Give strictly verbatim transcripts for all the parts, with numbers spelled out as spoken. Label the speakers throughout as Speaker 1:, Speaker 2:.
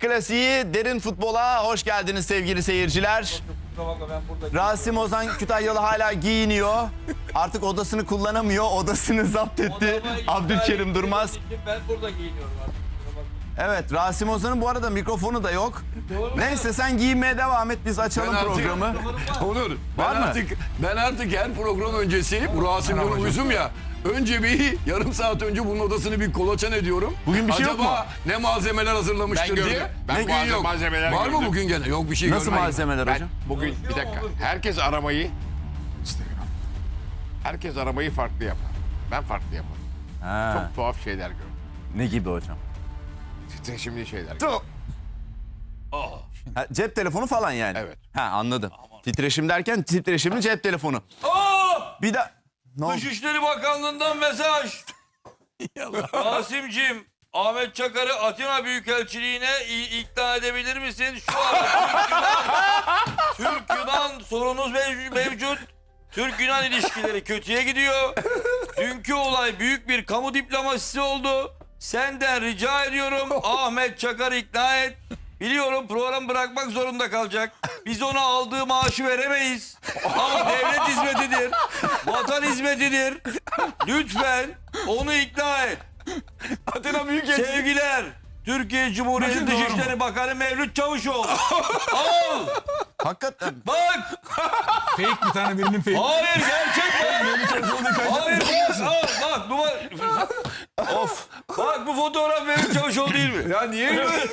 Speaker 1: klasiği derin futbola hoş geldiniz sevgili seyirciler. Rasim Ozan Kütahyalı hala giyiniyor. Artık odasını kullanamıyor. Odasını zapt etti Abdülkerim Durmaz.
Speaker 2: Ben burada giyiniyorum artık.
Speaker 1: Evet, Rasim Ozan'ın bu arada mikrofonu da yok. Neyse sen giyinmeye devam et, biz açalım
Speaker 3: artık-
Speaker 1: programı.
Speaker 3: Onur,
Speaker 1: Var
Speaker 3: ben
Speaker 1: mı?
Speaker 3: artık ben artık her program öncesi bu Rasim'den uyuzum ya. Önce bir yarım saat önce bunun odasını bir kolaçan ediyorum.
Speaker 1: Bugün bir şey yok
Speaker 3: Acaba
Speaker 1: mu?
Speaker 3: ne malzemeler hazırlamıştır
Speaker 4: Ben gördüm.
Speaker 3: diye.
Speaker 4: Ben
Speaker 3: Bugün
Speaker 4: bazı
Speaker 3: yok.
Speaker 4: malzemeler
Speaker 3: Var mı
Speaker 4: gördüm.
Speaker 3: bugün gene? Yok bir şey
Speaker 1: Nasıl
Speaker 3: görmedim.
Speaker 1: malzemeler
Speaker 4: Ben
Speaker 1: hocam?
Speaker 4: bugün bir dakika. Herkes aramayı Herkes aramayı farklı yapar. Ben farklı yaparım.
Speaker 1: Ha,
Speaker 4: Çok tuhaf şeyler gördüm.
Speaker 1: ne gibi hocam?
Speaker 4: Titreşimli şeyler gördüm.
Speaker 1: Ha, cep telefonu falan yani.
Speaker 4: Evet.
Speaker 1: Ha, anladım. Titreşim derken titreşimli cep telefonu.
Speaker 2: Aa!
Speaker 1: Bir de ne oldu?
Speaker 2: Dışişleri Bakanlığı'ndan mesaj. Rasim'cim, Ahmet Çakar'ı Atina Büyükelçiliğine i- ikna edebilir misin? Şu an Türk-Yunan sorunuz mev- mevcut. Türk-Yunan ilişkileri kötüye gidiyor. Dünkü olay büyük bir kamu diplomasisi oldu. Senden rica ediyorum Ahmet Çakar'ı ikna et. Biliyorum program bırakmak zorunda kalacak. Biz ona aldığı maaşı veremeyiz. Ama devlet hizmetidir. Vatan hizmetidir. Lütfen onu ikna et.
Speaker 1: Atina büyük
Speaker 2: Sevgiler. Türkiye Cumhuriyeti Dışişleri Bakanı Mevlüt Çavuşoğlu. Al.
Speaker 1: Hakikaten.
Speaker 2: Bak.
Speaker 5: Fake bir tane birinin fake.
Speaker 2: Hayır gerçek bak. Hayır bak. Al, bak. Bu,
Speaker 1: Of.
Speaker 2: bak bu fotoğraf Mevlüt Çavuşoğlu değil mi?
Speaker 3: Ya niye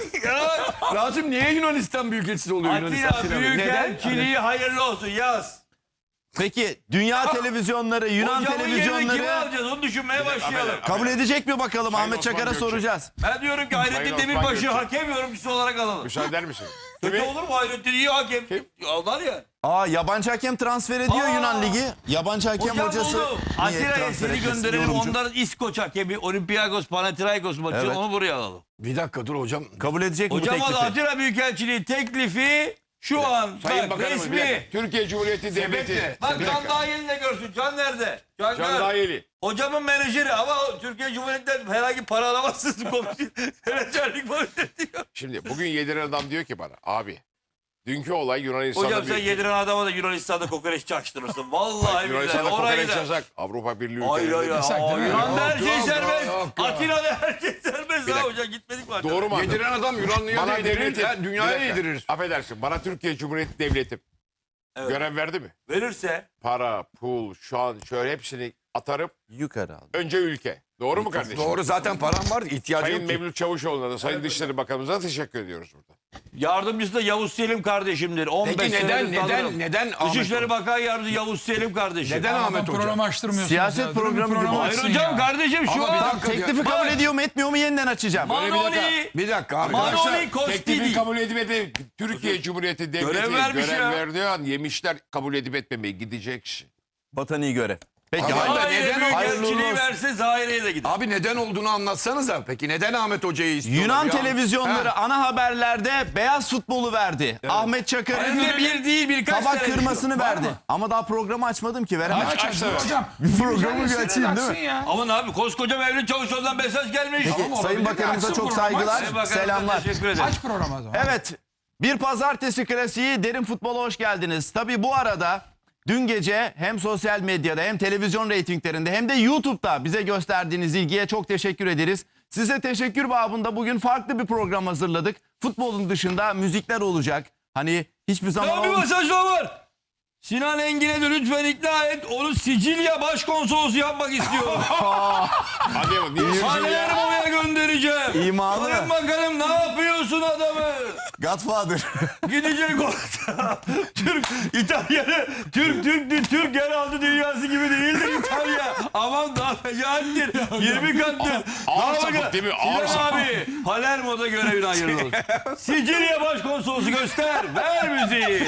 Speaker 2: Ya.
Speaker 3: Rasim niye Yunanistan Büyükelçisi oluyor Yunanistan?
Speaker 2: Atina Büyükelçiliği hayırlı olsun yaz.
Speaker 1: Peki dünya televizyonları, Yunan
Speaker 2: Hocamın yerine kimi
Speaker 1: televizyonları
Speaker 2: alacağız onu düşünmeye başlayalım.
Speaker 1: kabul edecek mi bakalım?
Speaker 4: Sayın
Speaker 1: Ahmet
Speaker 4: Osman
Speaker 1: Çakar'a
Speaker 4: Gökçe.
Speaker 1: soracağız.
Speaker 2: Ben diyorum ki Hayrettin
Speaker 4: Sayın Osman
Speaker 2: Demirbaş'ı
Speaker 4: Gökçe.
Speaker 2: hakem yorumcusu olarak alalım.
Speaker 4: Müsaade eder misin?
Speaker 2: Kötü olur mu Hayrettin iyi hakem? Aldılar ya.
Speaker 1: Aa, yabancı hakem transfer ediyor
Speaker 2: Aa.
Speaker 1: Yunan Ligi. Yabancı hakem
Speaker 2: Hocam
Speaker 1: hocası.
Speaker 2: buldum.
Speaker 1: niye
Speaker 2: Atina'ya
Speaker 1: transfer
Speaker 2: seni
Speaker 1: etmesin?
Speaker 2: gönderelim
Speaker 1: Yorumcu.
Speaker 2: onların İskoç hakemi Olympiakos Panathinaikos maçı
Speaker 1: Evet.
Speaker 2: onu buraya alalım.
Speaker 3: Bir dakika dur hocam.
Speaker 1: Kabul edecek mi bu
Speaker 2: Hocam
Speaker 1: teklifi?
Speaker 2: Atina Büyükelçiliği teklifi şu an
Speaker 4: Sayın
Speaker 2: bak,
Speaker 4: Bakanım, bir
Speaker 2: resmi.
Speaker 4: dakika. Türkiye Cumhuriyeti Devleti.
Speaker 2: Bak
Speaker 4: Bir
Speaker 2: Can
Speaker 4: dakika.
Speaker 2: Dahil'i de görsün. Can nerede? Can,
Speaker 4: Can
Speaker 2: gör.
Speaker 4: Dahili.
Speaker 2: Hocamın menajeri ama Türkiye Cumhuriyeti'nden herhangi para alamazsınız komisyon. Menajerlik falan diyor.
Speaker 4: Şimdi bugün yediren adam diyor ki bana abi dünkü olay Yunanistan'da
Speaker 2: Hocam sen
Speaker 4: bir-
Speaker 2: yediren adama da Yunanistan'da kokoreç çaktırırsın. Vallahi billahi
Speaker 4: Yunanistan'da
Speaker 2: oraya
Speaker 4: kokoreç
Speaker 2: gider.
Speaker 4: yasak. şey Avrupa Birliği
Speaker 2: Hayır hayır.
Speaker 4: ülkelerinde.
Speaker 5: Yasak değil mi?
Speaker 2: Yunan'da her
Speaker 3: Yok,
Speaker 2: şey
Speaker 3: yok,
Speaker 2: serbest.
Speaker 3: yok, yok.
Speaker 2: Atina'da her şey serbest.
Speaker 4: Bir
Speaker 2: Ha
Speaker 4: dakika.
Speaker 2: hocam gitmedik mi?
Speaker 4: Doğru mu?
Speaker 3: Yediren adam Yunanlı'ya
Speaker 4: Bana
Speaker 3: da yedirir,
Speaker 4: devleti,
Speaker 3: ya
Speaker 4: bir
Speaker 3: dünyaya
Speaker 4: dakika.
Speaker 3: yedirir.
Speaker 4: Affedersin bana Türkiye Cumhuriyeti Devleti
Speaker 2: Evet.
Speaker 4: görev verdi mi?
Speaker 2: Verirse
Speaker 4: Para, pul, şan şöyle hepsini atarım.
Speaker 1: Yukarı al.
Speaker 4: Önce ülke. Doğru mu kardeşim?
Speaker 3: Doğru zaten param var ihtiyacı
Speaker 4: Sayın
Speaker 3: yok ki.
Speaker 4: Mevlüt Çavuşoğlu'na da Sayın Dışişleri Bakanımıza teşekkür ediyoruz burada.
Speaker 2: yardımcısı da Yavuz Selim kardeşimdir. on beş
Speaker 3: Peki neden
Speaker 2: senedir tanırım.
Speaker 3: neden neden Ahmet
Speaker 2: Dışişleri
Speaker 3: Hoca?
Speaker 2: Bakan Yardımcısı Yavuz Selim kardeşim.
Speaker 3: Neden
Speaker 5: Adam
Speaker 3: Ahmet Hoca?
Speaker 5: programı açtırmıyorsunuz
Speaker 1: Siyaset
Speaker 5: ya. Durun bir
Speaker 1: programı gibi.
Speaker 5: programı
Speaker 2: Hayır
Speaker 5: açsın
Speaker 2: hocam
Speaker 5: ya.
Speaker 2: kardeşim şu
Speaker 3: Ama bir
Speaker 2: an.
Speaker 3: dakika.
Speaker 1: Teklifi
Speaker 2: Bak.
Speaker 1: kabul ediyor mu etmiyor mu yeniden açacağım.
Speaker 2: Manoli,
Speaker 3: Bir dakika abi.
Speaker 2: Manoli
Speaker 4: Teklifin
Speaker 2: Kostili.
Speaker 4: kabul edip etmeyip Türkiye Cumhuriyeti Devleti
Speaker 2: Görev
Speaker 4: görev,
Speaker 2: vermiş ya.
Speaker 4: verdiği an yemişler kabul edip etmemeyi gidecek kişi.
Speaker 1: Vatani göre. Peki
Speaker 3: Abi,
Speaker 1: hayır.
Speaker 3: hayır.
Speaker 2: Zahire
Speaker 3: neden
Speaker 1: hayırlı
Speaker 2: Büyükelçiliği
Speaker 1: olsun?
Speaker 2: verse Zahire'ye de gider.
Speaker 3: Abi neden olduğunu anlatsanıza. Peki neden Ahmet Hoca'yı istiyorlar?
Speaker 1: Yunan
Speaker 3: ya?
Speaker 1: televizyonları
Speaker 3: Ha.
Speaker 1: ana haberlerde beyaz futbolu verdi. Ahmet Çakar'ın
Speaker 2: Hem de bir değil birkaç
Speaker 1: tabak
Speaker 2: tane
Speaker 1: kırmasını
Speaker 2: düşüyor.
Speaker 1: verdi. Ama daha programı açmadım ki veremem.
Speaker 5: Aç aç dur hocam.
Speaker 1: Programı bir açayım değil mi?
Speaker 5: Ya.
Speaker 2: Aman abi koskoca Mevlüt Çavuşoğlu'ndan mesaj gelmiş.
Speaker 1: Peki,
Speaker 5: Ama
Speaker 1: Sayın
Speaker 5: olabilir.
Speaker 1: Bakanımıza
Speaker 5: Açsın
Speaker 1: çok
Speaker 5: programı,
Speaker 1: saygılar,
Speaker 2: Sayın Bakanımıza
Speaker 1: selamlar.
Speaker 2: Teşekkür ederim.
Speaker 5: Aç programı o zaman.
Speaker 1: Evet, bir pazartesi klasiği derin futbola hoş geldiniz. Tabii bu arada dün gece hem sosyal medyada hem televizyon reytinglerinde hem de YouTube'da bize gösterdiğiniz ilgiye çok teşekkür ederiz. Size teşekkür babında bugün farklı bir program hazırladık. Futbolun dışında müzikler olacak. Hani hiçbir zaman...
Speaker 2: Ya bir
Speaker 1: olm-
Speaker 2: mesaj daha var. Sinan Engin'e de lütfen ikna et. Onu Sicilya başkonsolosu yapmak istiyorum.
Speaker 4: Hadi yapalım. Niye Sicilya?
Speaker 2: Palermo'ya göndereceğim.
Speaker 1: İmalı.
Speaker 2: Sayın Bakanım ne yapıyorsun adamı?
Speaker 1: Godfather.
Speaker 2: Gidecek orada. Türk, İtalyanı, Türk, Türk, Türk yeraltı dünyası gibi değildir İtalya. Aman daha fecaattir. yirmi kattır.
Speaker 4: Ağır
Speaker 2: Daha
Speaker 4: sapık
Speaker 2: bakın,
Speaker 4: değil mi? Ağır
Speaker 2: Sinan
Speaker 4: sapık.
Speaker 2: abi, Palermo'da görevini hayırlı olsun. Sicilya başkonsolosu göster. Ver müziği.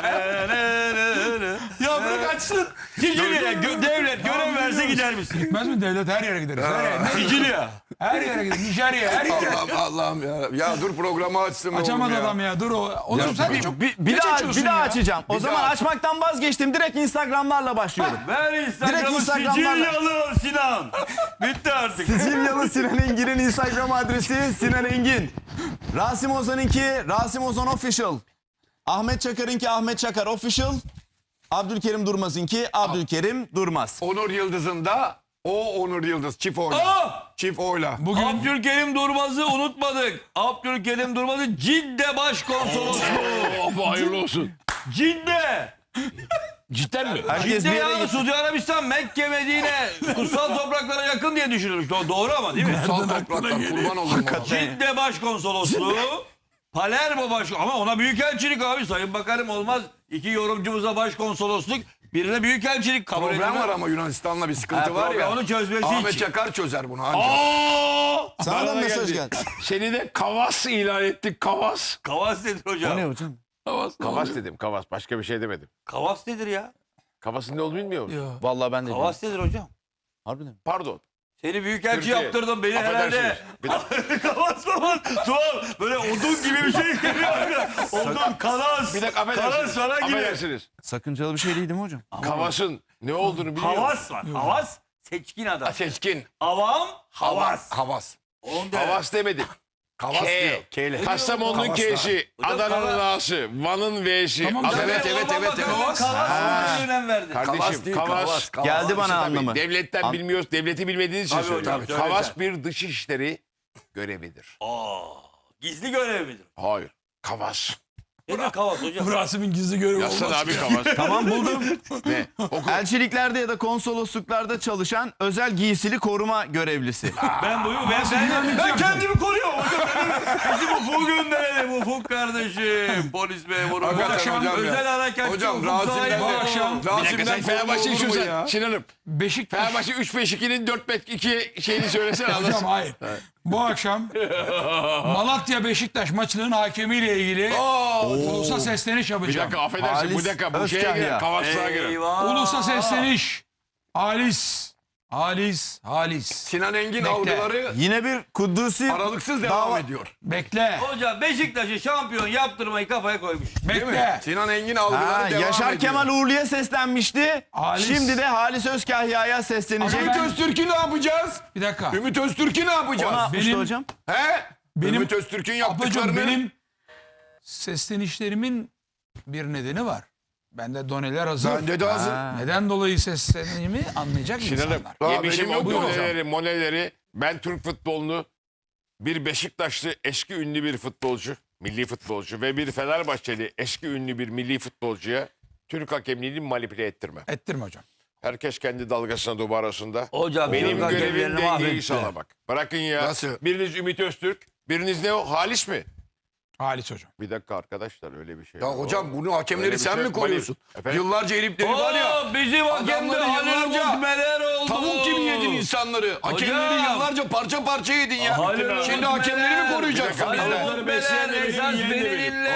Speaker 3: Ya bırak açsın.
Speaker 2: Sicilya'ya gö- devlet görev verse gider misin?
Speaker 5: Gitmez mi devlet her yere gideriz. Her yere,
Speaker 2: Sicilya.
Speaker 5: her yere gideriz. Nijerya her yere.
Speaker 3: Allah'ım Allah'ım ya. Ya dur programı açsın. be
Speaker 5: Açamadı
Speaker 3: oğlum ya.
Speaker 5: adam ya dur o. Oğlum sen de çok
Speaker 1: Bir, bir
Speaker 5: geç
Speaker 1: daha,
Speaker 5: açıyorsun
Speaker 1: bir daha
Speaker 5: ya.
Speaker 1: açacağım. O
Speaker 3: Bir
Speaker 1: zaman
Speaker 3: daha aç.
Speaker 1: açmaktan vazgeçtim. Direkt Instagram'larla başlıyorum.
Speaker 2: Ver
Speaker 1: Direkt
Speaker 2: Instagram'ı
Speaker 1: Instagram'dan-
Speaker 2: Sicilyalı Sinan. Bitti artık.
Speaker 1: Sicilyalı Sinan Engin'in Instagram adresi Sinan Engin. Rasim Ozan'ınki Rasim Ozan Official. Ahmet Çakar'ınki Ahmet Çakar Official. Abdülkerim Durmaz'ınki Abdülkerim Durmaz.
Speaker 3: Onur Yıldız'ın da o Onur Yıldız. Çift oyla.
Speaker 2: Aa!
Speaker 3: Çift oyla.
Speaker 5: Bugün
Speaker 2: Abdülkerim Durmaz'ı unutmadık. Abdülkerim Durmaz'ı Cidde Başkonsolosluğu.
Speaker 4: Abi hayırlı olsun.
Speaker 2: Cidde.
Speaker 4: Cidden mi?
Speaker 1: Herkes bir
Speaker 2: Cidde
Speaker 1: yere
Speaker 2: ya
Speaker 1: gitti.
Speaker 2: Suudi Arabistan, Mekke, Medine kutsal topraklara yakın diye düşünülmüş. Do- Doğru ama değil mi?
Speaker 3: Sal topraktan kurban olurum ona.
Speaker 2: Cidde Başkonsolosluğu. Palermo baş ama ona büyükelçilik abi. Sayın Bakanım olmaz. İki yorumcumuza başkonsolosluk, birine büyükelçilik kabul
Speaker 3: Problem
Speaker 2: edilmez.
Speaker 3: var ama Yunanistan'la bir sıkıntı
Speaker 2: Ha,
Speaker 3: var
Speaker 2: problem,
Speaker 3: ya.
Speaker 2: onu çözmesi
Speaker 3: Ahmet
Speaker 2: için.
Speaker 3: Çakar çözer bunu ancak.
Speaker 4: Aa!
Speaker 1: Sana da
Speaker 4: Bana
Speaker 1: mesaj geldi.
Speaker 4: Seni de Kavas ilan ettik. Kavas.
Speaker 2: Kavas nedir hocam?
Speaker 1: O ne hocam?
Speaker 3: Kavas,
Speaker 4: Kavas dedim. Kavas. Başka bir şey demedim.
Speaker 2: Kavas nedir ya?
Speaker 4: Kavas'ın ne olduğunu bilmiyor musun?
Speaker 1: Vallahi ben de bilmiyorum.
Speaker 2: Kavas nedir hocam?
Speaker 1: Harbiden mi?
Speaker 4: Pardon.
Speaker 2: Seni büyükelçi
Speaker 4: Türkiye.
Speaker 2: yaptırdın beni herhalde.
Speaker 4: Affedersiniz. Bir dakika,
Speaker 2: Kavas falan. Tuğal böyle odun gibi bir şey geliyor. Odun, kalas.
Speaker 4: bir dakika
Speaker 2: Kalas
Speaker 4: affedersiniz.
Speaker 2: falan gibi.
Speaker 4: Affedersiniz.
Speaker 1: Sakıncalı bir şey değil mi hocam?
Speaker 4: Kavas'ın ne olduğunu biliyor musun?
Speaker 2: Havas var. Havas seçkin adam.
Speaker 3: Seçkin.
Speaker 2: Avam havas.
Speaker 3: Havas.
Speaker 2: Onda.
Speaker 4: Kavas demedim.
Speaker 3: Kavas
Speaker 4: K.
Speaker 3: diyor. K'yle.
Speaker 4: Kastamonu'nun
Speaker 3: Kavas
Speaker 4: K'si,
Speaker 2: Hocam,
Speaker 4: Adana'nın
Speaker 2: Kavas-
Speaker 4: A'sı, Van'ın V'si.
Speaker 5: Tamam,
Speaker 4: Adana-
Speaker 3: evet, evet,
Speaker 2: Orman
Speaker 3: evet,
Speaker 2: Bakanlığı
Speaker 3: evet.
Speaker 2: Kavas
Speaker 1: Ha.
Speaker 2: sözüne önem verdi.
Speaker 4: Kardeşim
Speaker 3: Kavas değil,
Speaker 4: Kavas.
Speaker 3: Kavas, Kavas.
Speaker 1: Geldi bana
Speaker 4: İşte tabii
Speaker 1: anlamı.
Speaker 4: devletten
Speaker 1: An-
Speaker 4: bilmiyoruz, devleti bilmediğiniz için
Speaker 2: Tabii
Speaker 4: söylüyorum.
Speaker 2: hocam, söyle
Speaker 4: Kavas
Speaker 2: sen.
Speaker 4: bir dışişleri görevidir.
Speaker 2: Aa, gizli görev midir?
Speaker 4: Hayır. Kavas.
Speaker 2: Nedir Kavas hocam?
Speaker 5: Rasim'in gizli görevi
Speaker 4: Yazsana
Speaker 5: olmaz.
Speaker 4: abi Kavas.
Speaker 1: Tamam buldum.
Speaker 4: Ne? Oku.
Speaker 1: Elçiliklerde ya da konsolosluklarda çalışan özel giysili koruma görevlisi.
Speaker 2: Ben buyu ben, ben, ben kendimi koruyorum hocam. Benim- Bizim Ufuk'u gönderelim Ufuk kardeşim. Polis memuru.
Speaker 3: Hakikaten
Speaker 2: Hocam,
Speaker 3: hocam ya.
Speaker 2: özel harekatçı
Speaker 3: Hocam
Speaker 2: Ufuk
Speaker 3: Rasim'den
Speaker 2: sahibi
Speaker 3: de-
Speaker 2: oldu.
Speaker 5: akşam-
Speaker 4: Bir dakika
Speaker 3: Rasim'den
Speaker 4: sen Fenerbahçe
Speaker 3: koruma olur mu
Speaker 4: istiyorsan
Speaker 3: ya?
Speaker 4: Sinan'ım.
Speaker 5: Beşiktaş.
Speaker 4: Fenerbahçe üç beş ikinin dört beş iki şeyini söylesene
Speaker 5: Hocam
Speaker 4: anlasın.
Speaker 5: hayır. Bu akşam Malatya Beşiktaş maçının hakemiyle ilgili ulusa sesleniş
Speaker 4: Bir
Speaker 5: yapacağım.
Speaker 4: dakika affedersin
Speaker 1: Halis
Speaker 4: bu dakika bu şeye
Speaker 1: Özkahya.
Speaker 4: girer Kavaslığa girer.
Speaker 2: Eyvah.
Speaker 5: Ulusa sesleniş. Halis. Halis. Halis.
Speaker 3: Sinan Engin
Speaker 5: Bekle.
Speaker 3: algıları
Speaker 1: Yine bir Kudüs'ü
Speaker 3: aralıksız devam
Speaker 1: dava-
Speaker 3: ediyor.
Speaker 5: Bekle.
Speaker 2: Hocam Beşiktaş'ı şampiyon yaptırmayı kafaya koymuş.
Speaker 3: Değil mi?
Speaker 5: Bekle.
Speaker 3: Sinan Engin algıları
Speaker 1: Ha,
Speaker 3: devam
Speaker 1: Yaşar
Speaker 3: ediyor.
Speaker 1: Kemal Uğurlu'ya seslenmişti.
Speaker 5: Halis.
Speaker 1: Şimdi de Halis Özkahya'ya seslenecek.
Speaker 3: Ümit Öztürk'ü ne yapacağız?
Speaker 5: Bir dakika.
Speaker 3: Ümit Öztürk'ü ne
Speaker 1: O
Speaker 3: yapacağız?
Speaker 1: ne yapmıştı
Speaker 5: Benim-
Speaker 1: hocam?
Speaker 3: He?
Speaker 5: Benim-
Speaker 3: Ümit Öztürk'ün
Speaker 5: Ablacığım
Speaker 3: yaptıklarını...
Speaker 5: benim seslenişlerimin bir nedeni var. Bende doneler hazır.
Speaker 3: Bende de hazır.
Speaker 1: Ha.
Speaker 5: Neden dolayı seslendiğimi anlayacak
Speaker 4: Sinan'ım
Speaker 5: insanlar.
Speaker 3: Aa,
Speaker 4: yemişim
Speaker 3: benim
Speaker 4: o
Speaker 3: yok mu hocam?
Speaker 4: moneleri moneleri. Ben Türk futbolunu bir Beşiktaşlı eski ünlü bir futbolcu, milli futbolcu ve bir Fenerbahçeli eski ünlü bir milli futbolcuya Türk hakemliğini manipüle ettirmem.
Speaker 5: Ettirme hocam.
Speaker 4: Herkes kendi dalgasına dubu arasında.
Speaker 2: Hocam
Speaker 4: Benim
Speaker 2: Türk
Speaker 4: görevim
Speaker 2: hakemlerini
Speaker 4: dengeyi
Speaker 2: mahvetti.
Speaker 4: sağlamak. Bırakın ya.
Speaker 3: Nasıl?
Speaker 4: Biriniz Ümit Öztürk, biriniz ne o? Halis mi?
Speaker 5: Halis hocam.
Speaker 4: Bir dakika arkadaşlar öyle bir şey.
Speaker 3: Ya
Speaker 4: yok.
Speaker 3: hocam bunu
Speaker 4: Öyle
Speaker 3: hakemleri
Speaker 4: bir
Speaker 3: sen
Speaker 4: şey
Speaker 3: mi
Speaker 4: yok.
Speaker 3: koruyorsun?
Speaker 4: Efendim?
Speaker 3: Yıllarca elipleri var ya.
Speaker 2: Oo, bizim hakemde
Speaker 3: adamları
Speaker 2: Halil
Speaker 3: yıllarca
Speaker 2: Umutmeler oldu.
Speaker 3: Tavuk gibi yedin insanları. Hakemleri yıllarca parça parça yedin ya.
Speaker 2: Halil
Speaker 3: Şimdi
Speaker 2: Umut
Speaker 3: hakemleri mi
Speaker 2: Meler.
Speaker 3: koruyacaksın
Speaker 2: Halil
Speaker 3: bizden?
Speaker 2: Umut Meler esas beni dinle.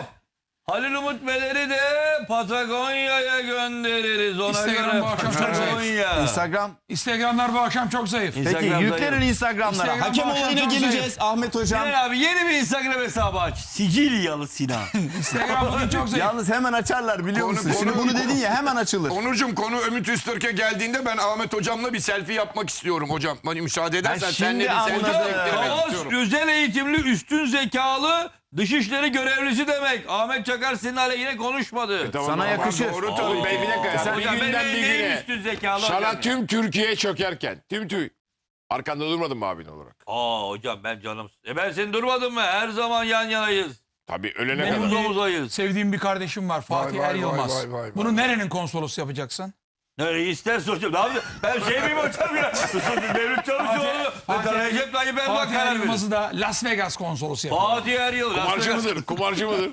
Speaker 2: Halil Umut Meler'i de Patagonya'ya göndeririz ona
Speaker 5: Instagram
Speaker 2: göre.
Speaker 5: bu akşam çok zayıf.
Speaker 2: Patagonya.
Speaker 1: Instagram.
Speaker 5: Instagramlar bu akşam çok zayıf.
Speaker 1: Peki
Speaker 2: Instagram
Speaker 1: yüklenin
Speaker 2: zayıf.
Speaker 1: Instagram'lara.
Speaker 5: Instagram
Speaker 1: Hakem
Speaker 5: bu akşam
Speaker 1: olayına
Speaker 5: çok
Speaker 1: geleceğiz Ahmet Hocam.
Speaker 2: Sinan abi yeni bir Instagram hesabı aç. Sicilyalı Sinan.
Speaker 5: Instagram bugün çok zayıf.
Speaker 1: Yalnız hemen açarlar biliyor
Speaker 3: Konu-
Speaker 1: musun?
Speaker 3: konu-
Speaker 1: Şimdi bunu dedin ya hemen açılır.
Speaker 3: Onurcuğum konu Ümit Öztürk'e geldiğinde ben Ahmet hocamla bir selfie yapmak istiyorum hocam. Bana müsaade edersen
Speaker 1: Ben
Speaker 3: seninle bir
Speaker 1: şimdi
Speaker 3: selfie
Speaker 1: anladım.
Speaker 3: çektirmek
Speaker 2: Kavas
Speaker 3: istiyorum.
Speaker 2: özel eğitimli üstün zekalı dışişleri görevlisi demek. Ahmet Çakar senin aleyhine konuşmadı.
Speaker 4: Tamam,
Speaker 1: Sana
Speaker 4: tamam,
Speaker 1: yakışır.
Speaker 4: Doğru tabii. Ben bir dakika. Sen bir
Speaker 2: Hocam ben
Speaker 4: günden bir
Speaker 2: neyim
Speaker 4: güne.
Speaker 2: üstün zekalı
Speaker 4: Sana
Speaker 2: hocam ya?
Speaker 4: tüm Türkiye çökerken, tüm tüy. Arkanda durmadın mı abin olarak?
Speaker 2: Aa hocam ben canım. E ben seni durmadım mı? Her zaman yan yanayız.
Speaker 4: Tabii ölene
Speaker 5: Benim
Speaker 4: kadar.
Speaker 2: Omuz omuzayız.
Speaker 5: Sevdiğim bir kardeşim var Fatih
Speaker 3: vay,
Speaker 5: Er Yılmaz.
Speaker 3: vay, vay, vay,
Speaker 5: Bunu
Speaker 3: vay.
Speaker 5: nerenin konsolosu yapacaksın?
Speaker 2: Nereyi isterse hocam. Ne yapayım? Ben şey miyim hocam ya? Devlet Çavuşoğlu.
Speaker 5: Fatih-
Speaker 2: Recep Tayyip Erdoğan
Speaker 5: Fatih Er
Speaker 2: karar verir.
Speaker 5: Yılmaz'ı da Las Vegas konsolosu yapıyor.
Speaker 2: Fatih Er Yıl.
Speaker 4: Kumarcı mıdır? Kumarcı mıdır?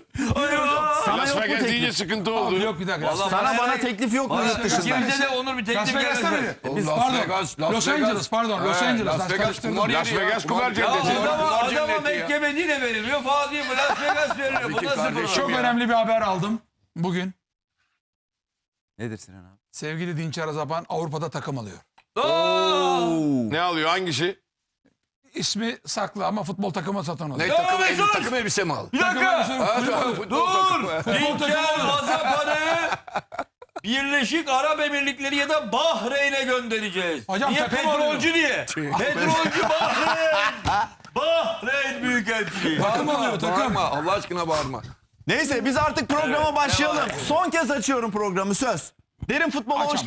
Speaker 1: Sana
Speaker 4: Las
Speaker 1: yok mu
Speaker 4: Vegas deyince
Speaker 1: teklif?
Speaker 4: sıkıntı
Speaker 5: Abi
Speaker 4: oldu.
Speaker 5: yok bir dakika. Las
Speaker 2: Vallahi
Speaker 1: Sana
Speaker 2: bana
Speaker 1: bana
Speaker 2: ne-
Speaker 1: teklif yok mu
Speaker 2: Bana
Speaker 1: yurt dışından?
Speaker 2: ikimize de Onur bir
Speaker 5: Las
Speaker 2: teklif
Speaker 5: Vegas'ta
Speaker 2: gelmez.
Speaker 5: mıydı?
Speaker 3: Oğlum,
Speaker 5: Biz
Speaker 3: Las
Speaker 5: pardon.
Speaker 3: Vegas, Las
Speaker 5: Los
Speaker 3: Vegas.
Speaker 5: Angeles pardon. Los
Speaker 3: He,
Speaker 5: Angeles.
Speaker 3: Las Vegas
Speaker 5: karıştırdım.
Speaker 3: kumar
Speaker 4: Las
Speaker 3: yeri ya,
Speaker 4: Vegas
Speaker 3: kumar
Speaker 4: kumar
Speaker 3: yeri.
Speaker 4: cenneti.
Speaker 2: Ya adama,
Speaker 3: Kumar
Speaker 2: adama
Speaker 3: cenneti ya.
Speaker 2: Mekke Medine verilmiyor. Fatih bu Las Vegas veriliyor. Bu
Speaker 3: Tabii ki
Speaker 2: nasıl
Speaker 3: kardeşim.
Speaker 2: program?
Speaker 5: Çok
Speaker 3: Ya.
Speaker 5: önemli bir haber aldım bugün.
Speaker 1: Nedir Sinan abi?
Speaker 5: Sevgili Dinçer Azapan Avrupa'da takım alıyor.
Speaker 2: Aa!
Speaker 4: Ne alıyor hangisi?
Speaker 5: İsmi saklı ama futbol takımı satın alıyor.
Speaker 3: Ne takım,
Speaker 2: Mesut!
Speaker 3: el, takım elbise mi aldın?
Speaker 2: Bir
Speaker 5: Takım
Speaker 2: dakika.
Speaker 5: elbise-
Speaker 3: Ha, tamam, futbol takımı.
Speaker 2: Dur. Dinçer Hazapan'ı Birleşik Arap Emirlikleri ya da Bahreyn'e göndereceğiz.
Speaker 5: Hocam
Speaker 2: Niye
Speaker 5: takım
Speaker 2: petrolcü diye? Petrolcü Bahreyn. Bahreyn Büyükelçiliği.
Speaker 5: Bağırma oluyor takım.
Speaker 3: Bağırma Allah aşkına bağırma.
Speaker 1: Neyse biz artık programa başlayalım. Son kez açıyorum programı söz. Derin Futbol'a hoş